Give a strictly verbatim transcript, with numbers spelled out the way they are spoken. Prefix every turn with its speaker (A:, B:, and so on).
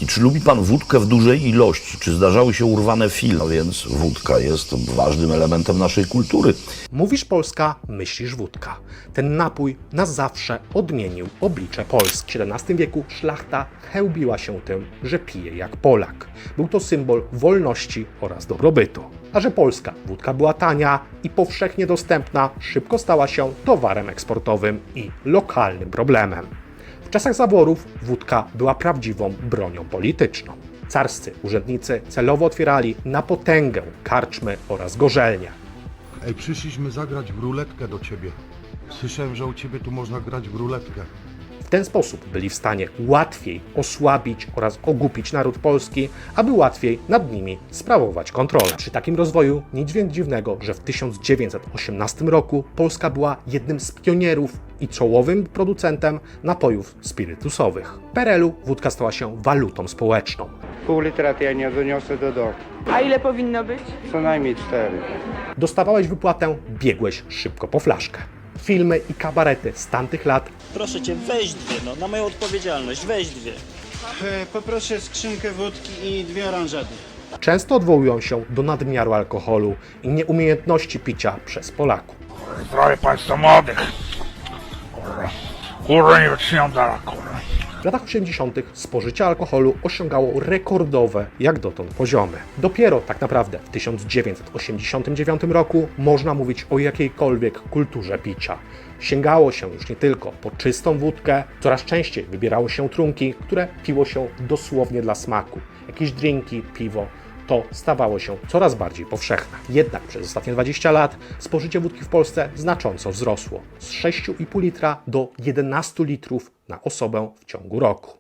A: wódki. Czy lubi pan wódkę w dużej ilości? Czy zdarzały się urwane filmy? No więc wódka jest ważnym elementem naszej kultury.
B: Mówisz Polska, myślisz wódka. Ten napój na zawsze odmienił oblicze Polski. W siedemnastym wieku szlachta chełbiła się tym, że pije jak Polak. Był to symbol wolności oraz dobrobytu. A że polska wódka była tania i powszechnie dostępna, szybko stała się towarem eksportowym i lokalnym problemem. W czasach zaborów wódka była prawdziwą bronią polityczną. Carscy urzędnicy celowo otwierali na potęgę karczmy oraz gorzelnie.
C: Ej, przyszliśmy zagrać w ruletkę do ciebie. Słyszałem, że u ciebie tu można grać w ruletkę.
B: W ten sposób byli w stanie łatwiej osłabić oraz ogłupić naród polski, aby łatwiej nad nimi sprawować kontrolę. Przy takim rozwoju nic więc dziwnego, że w tysiąc dziewięćset osiemnastym roku Polska była jednym z pionierów i czołowym producentem napojów spirytusowych. W P R L u wódka stała się walutą społeczną.
D: Pół litra to ja nie doniosę do domu.
E: A ile powinno być?
D: Co najmniej cztery.
B: Dostawałeś wypłatę, biegłeś szybko po flaszkę. Filmy i kabarety z tamtych lat
F: Proszę cię, weź dwie, no, na moją odpowiedzialność, weź dwie.
G: E, Poproszę skrzynkę wódki i dwie oranżady.
B: często odwołują się do nadmiaru alkoholu i nieumiejętności picia przez Polaków.
H: Zdrowie państwa młodych. Kurwa. Kurwa, nie wytrzymam dalej, kurwa.
B: W latach osiemdziesiątych spożycie alkoholu osiągało rekordowe jak dotąd poziomy. Dopiero tak naprawdę w tysiąc dziewięćset osiemdziesiątym dziewiątym roku można mówić o jakiejkolwiek kulturze picia. Sięgało się już nie tylko po czystą wódkę, coraz częściej wybierało się trunki, które piło się dosłownie dla smaku. Jakieś drinki, piwo. To stawało się coraz bardziej powszechne. Jednak przez ostatnie dwadzieścia lat spożycie wódki w Polsce znacząco wzrosło. Z sześć i pół litra do jedenastu litrów na osobę w ciągu roku.